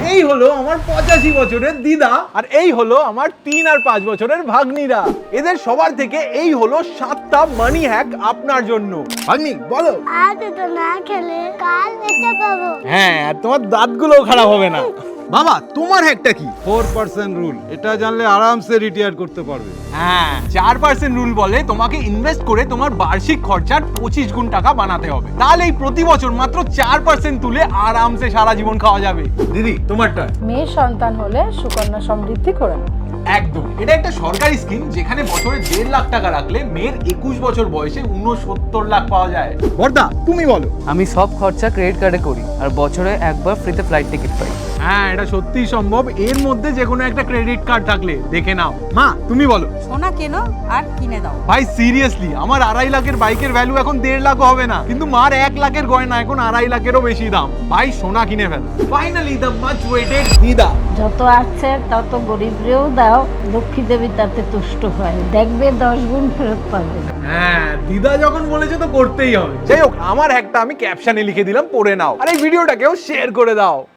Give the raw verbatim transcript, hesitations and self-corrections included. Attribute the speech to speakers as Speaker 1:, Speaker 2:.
Speaker 1: এই হলো আমার পঁচাশি বছরের দিদা, আর এই হলো আমার তিন আর পাঁচ বছরের ভাগ্নিরা। এদের সবার থেকে এই হলো সাতটা মানি হ্যাক আপনার জন্য। ভাগ্নি বলো।
Speaker 2: আজ তো না খেলে কাল এটা পাবো।
Speaker 1: হ্যাঁ, আর তোমার দাঁতগুলোও খারাপ হবে না। বাবা তোমার হ্যাকটা কি?
Speaker 3: ফোর পার্সেন্ট রুল, এটা জানলে আরামসে রিটায়ার করতে পারবে।
Speaker 1: হ্যাঁ, চার পার্সেন্ট রুল বলে তোমাকে ইনভেস্ট করে তোমার বার্ষিক খরচার পঁচিশ গুণ টাকা বানাতে হবে। তাহলে এই প্রতি বছর মাত্র চার পার্সেন্ট তুলে আরামসে সারা জীবন খাওয়া যাবে। দিদি তোমারটা?
Speaker 4: মেয়ের সন্তান হলে সুকন্যা সমৃদ্ধি করে নাও।
Speaker 1: একদম, এটা একটা সরকারি স্কিম যেখানে বছরে দেড় লাখ টাকা রাখলে মেয়ের একুশ বছর বয়সে উনসত্তর লাখ পাওয়া যায়। বর্দা তুমি বলো।
Speaker 5: আমি সব খরচা ক্রেডিট কার্ডে করি আর বছরে একবার ফ্রিতে ফ্লাইট টিকিট পাই।
Speaker 1: হ্যাঁ, এটা সত্যিই সম্ভব এর মধ্যে যে কোনো একটা ক্রেডিট কার্ড থাকলে। দেখে নাও। মা তুমি বলো।
Speaker 6: সোনা কেনো আর কিনে দাও।
Speaker 1: ভাই সিরিয়াসলি, আমার আড়াই লাখের বাইকের ভ্যালু এখন দেড় লাখও হবে না, কিন্তু মার এক লাখের গয়না এখন আড়াই লাখেরও বেশি দাম। ভাই সোনা কিনে ফেল। ফাইনালি দ্য মাচ ওয়েটেড দিদা।
Speaker 7: যত আছে তত গরিবরেও দাও, লক্ষ্মী দেবী তাতে তুষ্ট হয়, দেখবে দশ গুণ ফেরত পাবে।
Speaker 1: হ্যাঁ, দিদা যখন বলেছে তো করতেই হবে। যাই হোক, আমার হ্যাকটা আমি ক্যাপশনে লিখে দিলাম, পড়ে নাও। আর এই ভিডিওটাকেও শেয়ার করে দাও।